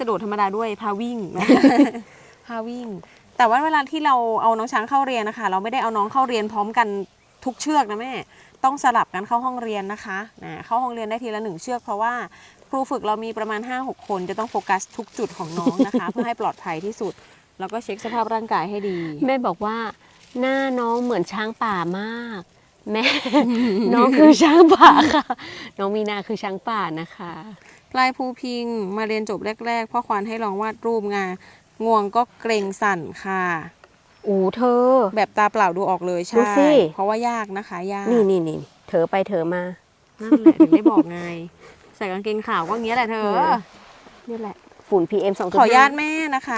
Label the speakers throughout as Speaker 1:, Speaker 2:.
Speaker 1: กระโดดธรรมดาด้วยพาวิ่ง พาวิ่ง แต่ว่าเวลาที่เราเอาน้องช้างเข้าเรียนนะคะเราไม่ได้เอาน้องเข้าเรียนพร้อมกันทุกเชือกนะแม่ต้องสลับกันเข้าห้องเรียนนะคะเข้าห้องเรียนได้ทีละ1 เชือกเพราะว่าครูฝึกเรามีประมาณ 5-6 คนจะต้องโฟกัสทุกจุดของน้องนะคะ เพื่อให้ปลอดภัยที่สุดแล้วก็เช็คสภาพร่างกายให้ดี
Speaker 2: แม่บอกว่าหน้าน้องเหมือนช้างป่ามากแม่ น้องคือช้างป่าค่ะน้องมีนาคือช้างป่านะคะ
Speaker 1: ปลายภูพิงมาเรียนจบแรกๆพ่อควานให้ลองวาดรูปงวงก็เกรงสั่นค่ะ
Speaker 2: เธอ
Speaker 1: แบบตาเปล่าดูออกเลย
Speaker 2: ดู
Speaker 1: ใช่
Speaker 2: สิ
Speaker 1: เพราะว่ายากนะคะยาก
Speaker 2: นี่เธอไปเธอมา
Speaker 1: นั่นแหละถึงได้บอกไงใส่กางเกงขาวก็อย่างเงี้ยแหละเธอ
Speaker 2: นี่แหละฝุ่น PM 2.5
Speaker 1: ขอญาตแม่นะคะ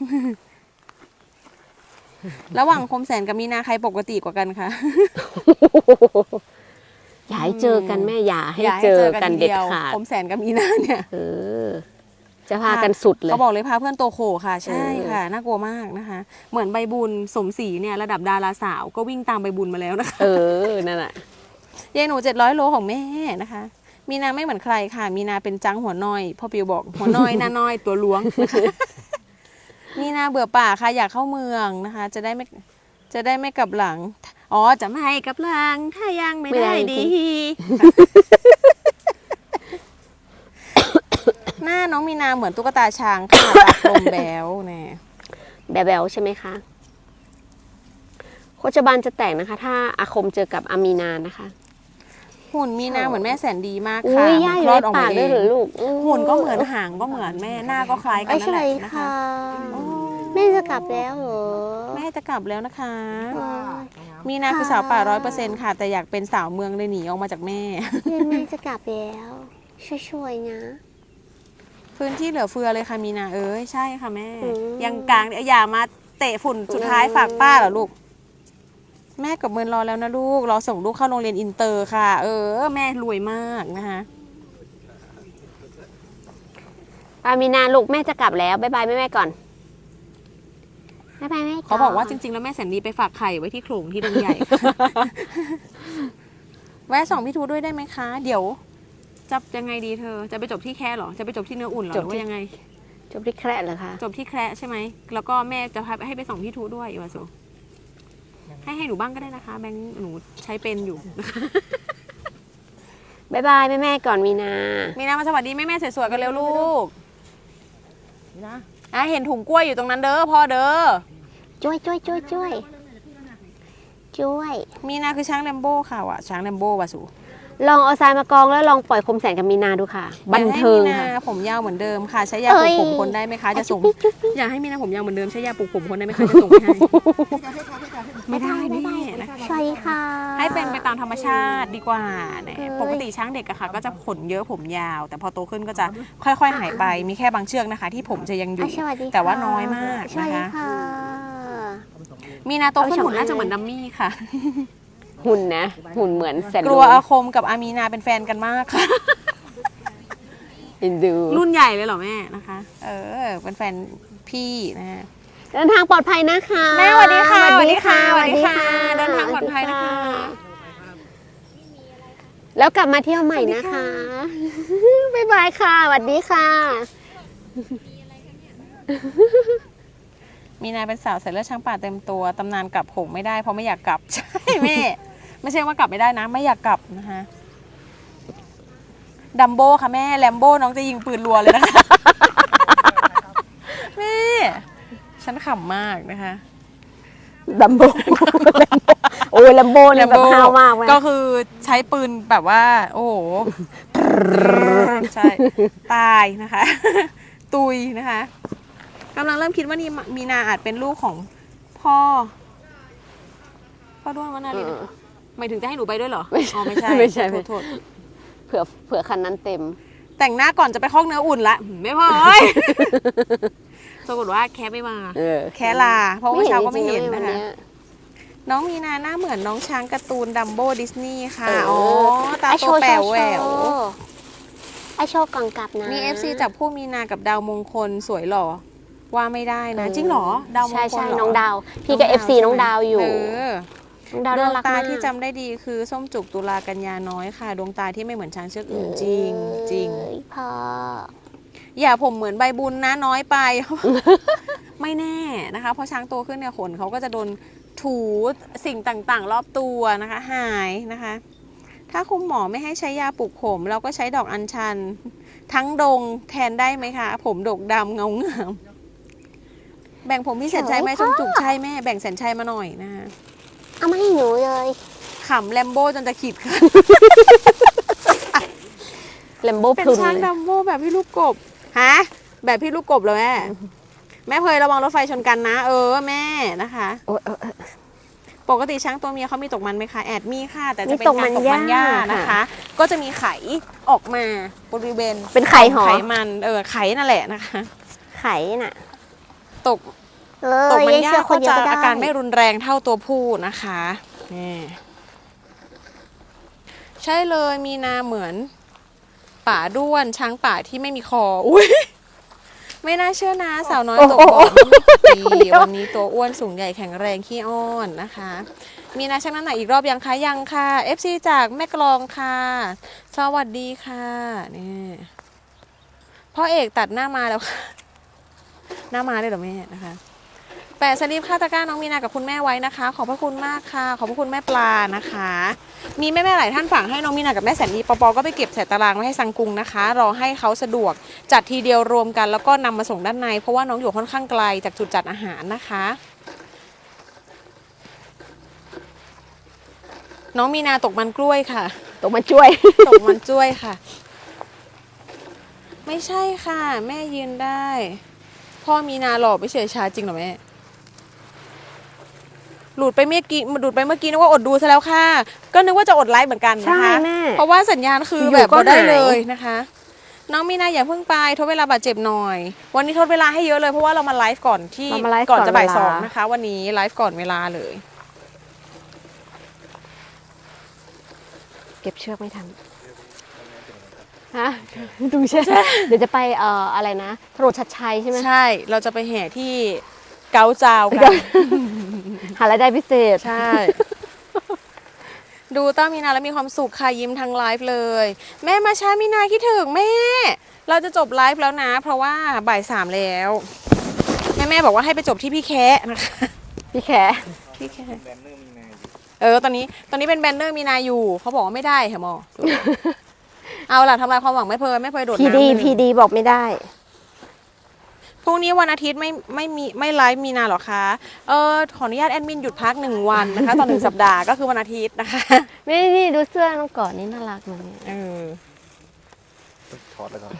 Speaker 1: ระหว่างคมแสนกับมีนาใครปกติกว่ากันคะ
Speaker 2: อย่าให้เจอกันแม่อย่าให้เจอกันเด็ดขาด
Speaker 1: คมแสนกับมีนาเนี่ย
Speaker 2: จะพากันสุดเลย
Speaker 1: เขาบอกเลยพาเพื่อนโตโขค่ะใช่ค่ะน่ากลัวมากนะคะ เหมือนใบบุญสมศรีเนี่ยระดับดาราสาวก็วิ่งตามใบบุญมาแล้วนะคะ
Speaker 2: นั่นแหละ
Speaker 1: ยายหนู700 โลของแม่นะคะ มีนาไม่เหมือนใครค่ะ มีนาเป็นจังหัวน้อยพ่อปิวบอกหัวน้อยหน้าน้อยตัวล้วงนะคะ มีนาเบื่อป่าค่ะอยากเข้าเมืองนะคะ จะได้ไม่กลับหลังจะไม่กลับหลังถ้ายังไม่ได้ดี หน้าน้องมีนาเหมือนตุ๊กตาช้างค่ะตาลมแบ๊วเนี่ย
Speaker 2: แบลใช่ไหมคะโคจบาลจะแตกนะคะ ถ้าอาคมเจอกับอามีนานะคะ
Speaker 1: หุ่นมีนาเหมือนแม่แสนดีมาก
Speaker 2: อุ้
Speaker 1: ค่ะ
Speaker 2: ยย่าอยู่ในปากด้วยเหรอลูก
Speaker 1: หุ่นก็เหมือนหางก็เหมือนแม่หน้าก็คล้ายกันนั่นแหละนะคะ
Speaker 2: แม่จะกลับแล้วเหรอ
Speaker 1: แม่จะกลับแล้วนะคะ มีนาคือสาวป่า100%ค่ะ แต่อยากเป็นสาวเมืองเลยหนีออกมาจากแม่
Speaker 2: แม่จะกลับแล้วช่วยๆนะ
Speaker 1: พื้นที่เหลือเฟือเลยค่ะมีนาใช่ค่ะแม่ ยังกลางอย่ามาเตะฝุ่นสุดท้ายฝากป้าเหรอลูก แม่กับเมินรอแล้วนะลูกรอส่งลูกเข้าโรงเรียนอินเตอร์ค่ะ แม่รวยมากนะคะ
Speaker 2: อามีนาลูกแม่จะกลับแล้วบ๊ายบายแม่ก่อนบ๊ายบายแม่
Speaker 1: เขาบอกว่าจริงๆแล้วแม่แสนดีไปฝากไข่ไว้ที่โขลงที่ดงใหญ่ แวะส่องพี่ทูด้วยได้ไหมคะ เดี๋ยวจะยังไงดีเธอ จะไปจบที่แค่หรอ จะไปจบที่เนื้ออุ่นหรอหรือว่ายังไง
Speaker 2: จบที่แคร์เหรอคะ
Speaker 1: จบที่แคระใช่ไหม แล้วก็แม่จะให้ไปส่งพี่ทูด้วยอีวาสุให้หนูบ้างก็ได้นะคะ แบงค์หนูใช้เป็นอยู่
Speaker 2: บ๊ายบายแม่ก่อนมีนา
Speaker 1: มีนามาสวัสดีแม่สวยๆกันเร็วลูกนี่นะเห็นถุงกล้วยอยู่ตรงนั้นเด้อพ่อเด้อ
Speaker 2: ช่วย
Speaker 1: มีนาคือช้างแลมโบ้ค่ะช้างแลมโบ้วาสุ
Speaker 2: ลองเอาทรายมากองแล้วลองปล่อยคมแสนกับมีนาดูค่ะ บันเทิง
Speaker 1: อยากให้มีนา
Speaker 2: ค่ะ
Speaker 1: ผมยาวเหมือนเดิมค่ะ ใช้ยาปลูกผมคนได้ไหมคะจะส่ง อยากให้มีนาผมยาวเหมือนเดิมใช้ยาปลูกผมคนได้ไหมคะจะส่งให้ไม่ได้แน่นะคะ
Speaker 2: สวัสดีค่ะ
Speaker 1: ให้เป็นไปตามธรรมชาติดีกว่าเนี่ยปกติช้างเด็กอะค่ะก็จะขนเยอะผมยาว แต่พอโตขึ้นก็จะค่อยๆหายไปมีแค่บางเชือกนะคะ ที่ผมจะยังอยู่ แต่ว่าน้อยมากนะคะ มีนาโตขึ้นหุ่นน่าจะเหมือนดัมมี่ค่ะ
Speaker 2: หุ่นเหมือนแสน
Speaker 1: กลัวอาคมกับอามีนาเป็นแฟนกันมากค่ะ
Speaker 2: เอ็นดู
Speaker 1: รุ่นใหญ่เลยเหรอแม่นะคะ เป็นแฟนพี่นะฮะ
Speaker 2: เดินทางปลอดภัยนะคะ
Speaker 1: แม่สวัสดีค่ะ
Speaker 2: สวัสดีค่ะ
Speaker 1: สวัสดีค่ะเดินทางปลอดภัยนะคะ
Speaker 2: แล้วกลับมาเที่ยวใหม่นะคะ บ๊ายบายค่ะสวัสดีค่ะ
Speaker 1: มีนาเป็นสาวใส่เลือดช้างป่าเต็มตัวตำนานกลับหงไม่ได้เพราะไม่อยากกลับ ใช่แม่ไม่ใช่ว่ากลับไม่ได้นะ ไม่อยากกลับนะคะดัมโบ้ค่ะแม่แลมโบ้น้องจะยิงปืนรัวเลยนะคะ แม่ฉันขำมากนะคะ
Speaker 2: ลัมโบโอ้ยลัมโบเนี่ยแบบห้าวมากไหม
Speaker 1: ก็คือใช้ปืนแบบว่า โอ้โห ใช่ตายนะคะ ตุยนะคะกำลังเริ่มคิดว่านี่มีนาอาจเป็นลูกของพ่อด้วงวนาลีหมายถึงจะให้หนูไปด้วยเหรออ๋อไม่ใช่
Speaker 2: ไม่ใช่
Speaker 1: โทษ
Speaker 2: เผื่อคันนั้นเต็ม
Speaker 1: แต่งหน้าก่อนจะไปคอกเนื้ออุ่นละไม่พอเอ้ยปรากฏว่าแค่ไม่มาแค่ลาเพราะว่าเช้าก็ไม่เห็นนะคะน้องมีนาหน้าเหมือนน้องช้างการ์ตูนดัมโบ้ดิสนีย์ค่ะตาโตแป๋วแหวว
Speaker 2: ไอโชว์ก่อนกลับนะ
Speaker 1: มี FC จับคู่มีนากับดาวมงคลสวยหล่อว่าไม่ได้นะจริงเหรอดาวมงคล
Speaker 2: ใช่น้องดาวพี่กับ FC น้องดาวอยู่น้องดาว
Speaker 1: ดว
Speaker 2: น่าง รัก
Speaker 1: ตาม
Speaker 2: าก
Speaker 1: ที่จำได้ดีคือส้มจุกตุลากันยาน้อยค่ะดวงตาที่ไม่เหมือนช้างเชือกอื่นจริง
Speaker 2: พอ
Speaker 1: อย่าผมเหมือนใบบุญนะน้อยไป ไม่แน่นะคะเพราะช้างโตขึ้นเนี่ยขนเขาก็จะโดนถูสิ่งต่างๆ รอบตัวนะคะหายนะคะ ถ้าคุณหมอไม่ให้ใช้ยาปลูกผมเราก็ใช้ดอกอัญชัน ทั้งดงแทนได้ไหมคะ ผมดกดำเงางามแบ่งผมพี่แสนชัยไหมชมจุกใช่แม่แบ่งแสนชัยมาหน่อยนะคะ
Speaker 3: เอามาให้หนูเลย
Speaker 1: ขำแลมโบ้จนจะขีดค่ะ
Speaker 2: แลมโบ
Speaker 1: เป็น
Speaker 2: พลุน
Speaker 1: ช้าง
Speaker 2: เลย
Speaker 1: ดัมโบ้แบบพี่ลูกกบฮะแบบพี่ลูกกบเลยแม่แม่เพยระวังรถไฟชนกันนะแม่นะคะ
Speaker 2: โอ้ย
Speaker 1: ปกติช้างตัวเมียเขามีตกมันไหมคะแอดมีค่ะแต่
Speaker 3: มี
Speaker 1: จะเป็น
Speaker 3: ตก
Speaker 1: กา
Speaker 3: มั
Speaker 1: ร
Speaker 3: น
Speaker 1: ตกมันหญ้า
Speaker 3: หญ้า
Speaker 1: นะคะ ก็จะมีไข่ออกมาบริเวณ
Speaker 2: เป็นไข่หอ
Speaker 1: ไขมันไข่นั่นแหละนะคะ
Speaker 3: ไข่น่ะ
Speaker 1: ตก
Speaker 3: เอ
Speaker 1: ต
Speaker 3: อก
Speaker 1: มันหญ้า
Speaker 3: เชื่อค
Speaker 1: ก็
Speaker 3: นเดีย
Speaker 1: จะ
Speaker 3: วก็ได้
Speaker 1: อาการไม่รุนแรงเท่าตัวผู้นะคะนี่ใช่เลยมีนาเหมือนป่าด้วนช้างป่าที่ไม่มีคออุ้ยไม่น่าเชื่อนะสาวน้อยตกบ่อดีวันนี้ตัวอ้วนสูงใหญ่แข็งแรงขี้อ้อนนะคะ มีนาชั่งน้ำหนักอีกรอบยังคะยังค่ะ FC จากแม่กลองค่ะสวัสดีค่ะนี่พ่อเอกตัดหน้ามาแล้วค่ะ หน้ามาได้เหรอแม่นะคะแปะสลิปค่าตะกร้าน้องมีนากับคุณแม่ไว้นะคะ ขอบพระคุณมากค่ะ ขอบพระคุณแม่ปลานะคะ มีแม่ๆหลายท่านฝากให้น้องมีนากับแม่แสนดีปอก็ไปเก็บใส่ตารางไว้ให้สังกุงนะคะ รอให้เขาสะดวกจัดทีเดียวรวมกัน แล้วก็นำมาส่งด้านใน เพราะว่าน้องอยู่ค่อนข้างไกลจากจุดจัดอาหารนะคะ น้องมีนาตกมันกล้วยค่ะ
Speaker 2: ตกมาช่วย
Speaker 1: ตกมันจ้วยค่ะ ไม่ใช่ค่ะ แม่ยืนได้ พ่อมีนาหล่อไม่เฉยชาจริงเหรอแม่หลุดไปเมื่อกี้นึกว่าอดดูซะแล้วค่ะ ก็นึกว่าจะอดไลฟ์เหมือนกันนะคะ
Speaker 2: ใช่แม่
Speaker 1: เพราะว่าสัญญาณคือ
Speaker 2: อยู่
Speaker 1: แบบ
Speaker 2: ก็
Speaker 1: บ่ได้
Speaker 2: หาย
Speaker 1: เลยนะคะ น้องมีนาอย่าเพิ่งไปทดเวลาบาดเจ็บหน่อย วันนี้ทดเวลาให้เยอะเลยเพราะว่าเรามาไลฟ์ก่อนที่
Speaker 2: เรามาไลฟ์
Speaker 1: ก่อนจะบ่าย
Speaker 2: ก่อน
Speaker 1: ส
Speaker 2: เว
Speaker 1: อ
Speaker 2: ลา
Speaker 1: งนะคะ วันนี้ไลฟ์ก่อนเวลาเลย
Speaker 2: เก็บเชือกไม่ทันฮะดูใช่ เดี๋ยวจะไปอะไรนะถนนชัดชัยใช่ไหม
Speaker 1: ใช่เราจะไปแห่ที่เกาจาวกัน
Speaker 2: หารายได้พิเศษ
Speaker 1: ใช่ ดูต้ามีนาแล้วมีความสุขค่ะยิ้มทั้งไลฟ์เลย แม่มาช้ามีนาคิดถึงแม่ เราจะจบไลฟ์แล้วนะ เพราะว่าบ่ายสามแล้ว แม่บอกว่าให้ไปจบที่พี่แคะนะคะ
Speaker 2: พี่แข
Speaker 1: พี่แคะตอนนี้เป็นแบนเนอร์มีนาอยู่เขาบอกว่าไม่ได้เหรอหมอ เอาล่ะทำลายความหวังไม่เพยโดด
Speaker 3: พี
Speaker 1: น้ำ
Speaker 3: ดี
Speaker 1: เลย
Speaker 3: พีดีบอกไม่ได้
Speaker 1: พรุ่งนี้วันอาทิตย์ไม่ไลฟ์มีนาหรอคะขออนุญาตแอดมินหยุดพัก1 วันนะคะต่อ1 สัปดาห์ก็คือวันอาทิตย์นะคะ
Speaker 2: ไม่นี่ดูเสื้อน้องก่อนนี่น่ารักเลย
Speaker 4: ถอดแล้วก่อน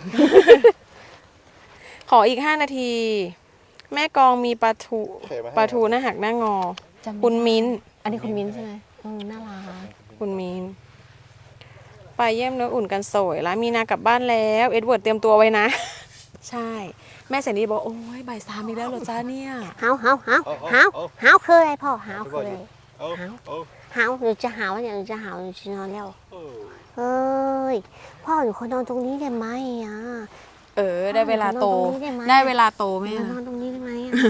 Speaker 1: ขออีก5 นาที แม่กองมีปลาทูหน้าหักหน้างอ
Speaker 2: จำไม่
Speaker 1: คุณมิ้น
Speaker 2: อันนี้คุณมิ้นใช่ไหมน่ารัก
Speaker 1: คุณมิ้นไปเยี่ยมเนื้ออุ่นกันสวยแล้วมีนากลับบ้านแล้วเอ็ดเวิร์ดเตรียมตัวไว้นะ ใช่ แม่แสนดีบอกโอ้ยบ่ายสามอีกแล้วเหรอจ้าเนี่ย
Speaker 3: หาวคืออะไรพ่อหาวคืออะไร
Speaker 4: เอาเอา
Speaker 3: หาวหนูจะหาวอย่างหนูจะหาวหนูจะนอนแล้วเฮ้ยพ่อหนูขอนอนตรงนี้ได้ไหมอ่ะ
Speaker 1: ได้เวลาโต
Speaker 3: นอนตรงนี้ได้ไหม
Speaker 1: ได้เวลาโตแม่
Speaker 3: หนูนอนตรงนี้ได้ไหมอ่ะ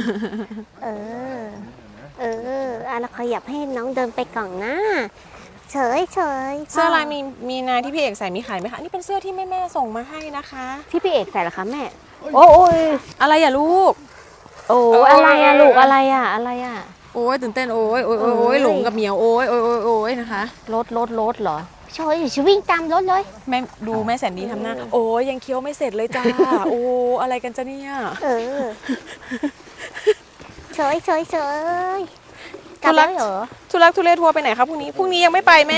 Speaker 3: แล้วขยับให้น้องเดินไปก่อนนะเฉยพ่
Speaker 1: เสื้อลายมีนาที่พี่เอกใส่มีขายไหมคะอันนี่เป็นเสื้อที่แม่ส่งมาให้นะคะ
Speaker 2: ที่พี่เอกใส่เหรอคะแม่ โอ้ย
Speaker 1: อะไรอย่าลูก
Speaker 2: โอ้อะไรอะลูกอะไรอะอะไรอะ
Speaker 1: โอ้ยตื่นเต้นโอ้ยหลงกับเหมียวโอ้ยนะคะ
Speaker 2: รถเหรอ
Speaker 3: เฉยจะวิ่งตามรถเลย
Speaker 1: แม่ดูแม่แสนดีทำหน้าโอ้ยยังเคี้ยวไม่เสร็จเลยจ้า โอ้อะไรกันจ้ะเนี่ย
Speaker 3: เฉยกลับแล้วเหรอ
Speaker 1: ทุลักทุเลทัวร์ไปไหนครับพรุ่งนี้ยังไม่ไปแม่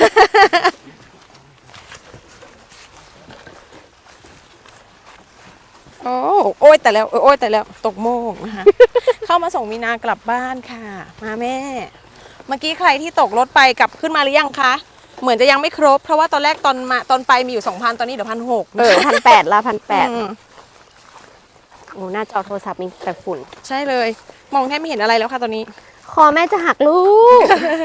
Speaker 1: โอ้ยแต่แล้วตกโมงนะคะ เข้ามาส่งมีนากลับบ้านค่ะ มาแม่ เมื่อกี้ใครที่ตกรถไปกลับขึ้นมาหรือยังคะ เหมือนจะยังไม่ครบ เพราะว่าตอนแรกตอนไปมีอยู่ 2,000 ตอนนี้เดี๋ยว1,600
Speaker 2: 1,800ละ1,800
Speaker 1: อืม
Speaker 2: โอ้หน้าจอโทรศัพท์มีแต่ฝุ่น
Speaker 1: ใช่เลย มองแทบไม่เห็นอะไรแล้วค่ะตอนนี้
Speaker 2: คอแม่จะหักลูก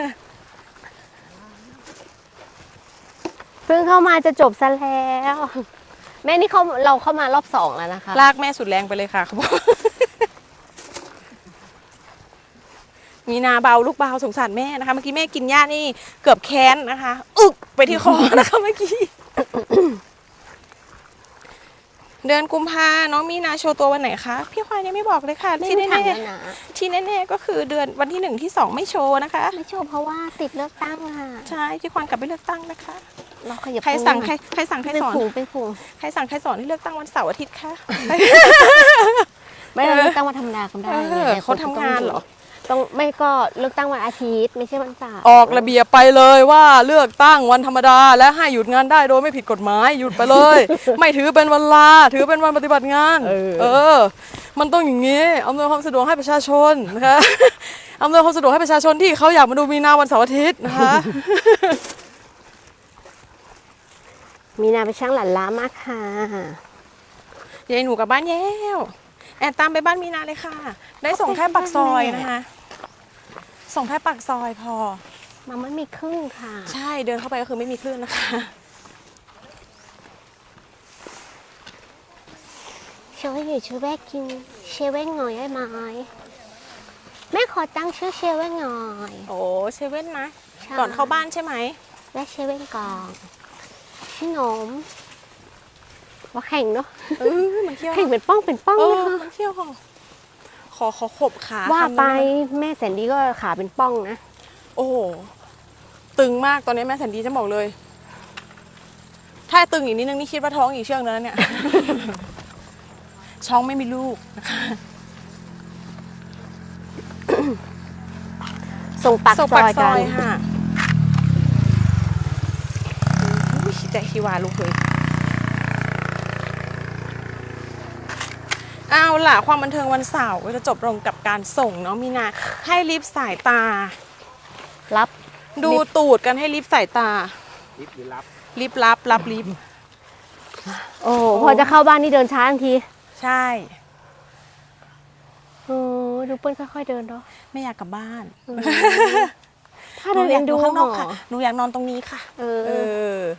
Speaker 2: เพิ่งเข้ามาจะจบซะแล้ว แม่นี่เราเข้ามารอบ2แล้วนะคะ
Speaker 1: ลากแม่สุดแรงไปเลยค่ะเขาบอก มีนาเบาลูกเบาสงสารแม่นะคะ เมื่อกี้แม่กินหญ้านี่เกือบแค้นนะคะ อึกไปที่คอนะคะเมื่อกี้เดือนกุมภาน้องมีนาโชว์ตัววันไหนคะพี่ควายยังไม่บอกเลยค่ะ
Speaker 3: ไม่
Speaker 1: ที่
Speaker 3: มีถาม
Speaker 1: แน่
Speaker 3: แล้วนะ
Speaker 1: ๆที่แน่ๆก็คือเดือนวันที่1ที่2ไม่โชว์นะคะ
Speaker 3: ไม่โชว์เพราะว่าติดเลือกตั้งค่ะ
Speaker 1: ใช่พี่ควานกลับไปเลือกตั้งนะคะ
Speaker 3: เราขยับ
Speaker 1: ใครสั่งใครสั่งใคร
Speaker 3: เป็น
Speaker 1: สอน
Speaker 3: ฝูงเป็นฝูง
Speaker 1: ใครสั่งใครสอนให้เลือกตั้งวันเสาร์อาทิตย์คะ
Speaker 3: ไม่ได้เลือกตั้งวันธรรมดาก็ได้
Speaker 1: เออ
Speaker 3: แต่
Speaker 1: เขาทำงานเหรอ
Speaker 3: ต้องไม่ก็เลือกตั้งวันอาทิตย์ไม่ใช่วันเสาร์
Speaker 1: ออกระเบียบไปเลยว่าเลือกตั้งวันธรรมดาและให้หยุดงานได้โดยไม่ผิดกฎหมายหยุดไปเลย ไม่ถือเป็นวันลาถือเป็นวันปฏิบัติงาน เออ มันต้องอย่างนี้อำนวยความสะดวกให้ประชาชนนะคะ อำนวยความสะดวกให้ประชาชนที่เขาอยากมาดูมีนาวันเสาร์อาทิตย์นะคะ
Speaker 3: มีนาเป็นช่างหลั่นล้ามากค่ะ
Speaker 1: ยายหนูกลับบ้านแล้วแอนตามไปบ้านมีนาเลยค่ะ ได้ส่งแค่ปากซอยนะคะ ส่งแค่ปากซอยพอ
Speaker 3: มันไม่มีครึ่งค่ะ
Speaker 1: ใช่เดินเข้าไปก็คือไม่มีคลื่นนะคะ
Speaker 3: ช่วยอยู่ช่วยแม่กินเชเว่นหน่อยได้ไหมแม่ขอตั้งชื่อเชเว่นหน่อย
Speaker 1: โอ้เซเว่นนะ
Speaker 3: ใช่
Speaker 1: ก่อนเข้าบ้านใช่ไหม
Speaker 3: แม่เชเว่นก่อนชื่อหนมว่าแข่งเนาะ
Speaker 1: มันเที่ยว
Speaker 3: แข่งเป็นป้องเป็นป้อง
Speaker 1: เอ
Speaker 3: นะ
Speaker 1: อ
Speaker 3: คะ
Speaker 1: มันเที่ยวของขอขบขา
Speaker 3: ว่า
Speaker 1: คำนึง
Speaker 3: ไป
Speaker 1: ด้หม
Speaker 3: แม่แสนดีก็ขาเป็นป้องนะ
Speaker 1: โอ้โหตึงมากตอนนี้แม่แสนดีจะบอกเลย ถ้าตึงอีกนิดนึงนี่คิดว่าท้องอีกเชือกนึงแล้วเนี่ย ช้องไม่มีลูกนะคะ
Speaker 3: ส่งปาก
Speaker 1: ส่ง
Speaker 3: ซ
Speaker 1: ปา
Speaker 3: อก ย
Speaker 1: ซ
Speaker 3: กั
Speaker 1: อน ยค่ะอุ้ยใจฮิวาลูกเลยเอาล่ะความบันเทิงวันเสาร์จะจบลงกับการส่งน้องมีนาให้ลิฟต์สายตา
Speaker 3: รับ
Speaker 1: ดูตูดกันให้ลิฟต์สายตา ลิฟต์รับลิฟต์
Speaker 3: โอ้พอจะเข้าบ้านนี่เดินช้าทันที
Speaker 1: ใช่
Speaker 3: โอ้ดูเปิ้ลค่อยๆเดินเนาะ
Speaker 1: ไม่อยากกลับบ้าน
Speaker 3: ถ้าเดินเอ็นดู
Speaker 1: ข้างนอก
Speaker 3: หร
Speaker 1: ค่ะหนูอยากนอนตรงนี้ค่ะ
Speaker 3: เอ
Speaker 1: เอ
Speaker 3: อ
Speaker 1: อ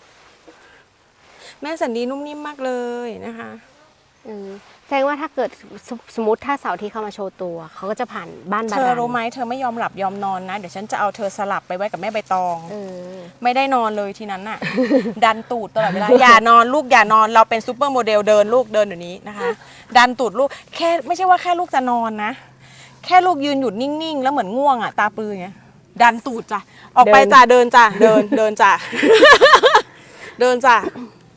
Speaker 1: แม่แสันดีนุ่มนิ่มมากเลยนะคะ
Speaker 3: แสดงว่าถ้าเกิดสมมติถ้าเสาร์อาที่เขามาโชว์ตัว เขาก็จะผ่านบ้านบา
Speaker 1: เธอ
Speaker 3: ดาล
Speaker 1: รู้ไหมเธอไม่ยอมหลับยอมนอนนะ เดี๋ยวฉันจะเอาเธอสลับไปไว้กับแม่ใบตอง
Speaker 3: เออ
Speaker 1: ไม่ได้นอนเลยทีนั้นน่ะ ดันตูดตลอดเวลา อย่านอนลูกอย่านอนเราเป็นซูเปอร์โมเดลเดินลูกเดินเดี๋ยวนี้นะคะ ดันตูดลูกแค่ไม่ใช่ว่าแค่ลูกจะนอนนะ แค่ลูกยืนหยุดนิ่งๆ แล้วเหมือนง่วงอ่ะตาปลืออย่างเงี้ยดันตูดจ้ะออกไปจ้ะเดินจ้ะเดินจ้ะ เดินจ้ะ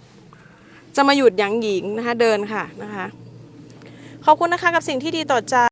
Speaker 1: จะมาหยุดยั้งหญิงนะคะ เดินค่ะนะคะ ขอบคุณนะคะกับสิ่งที่ดีต่อใจ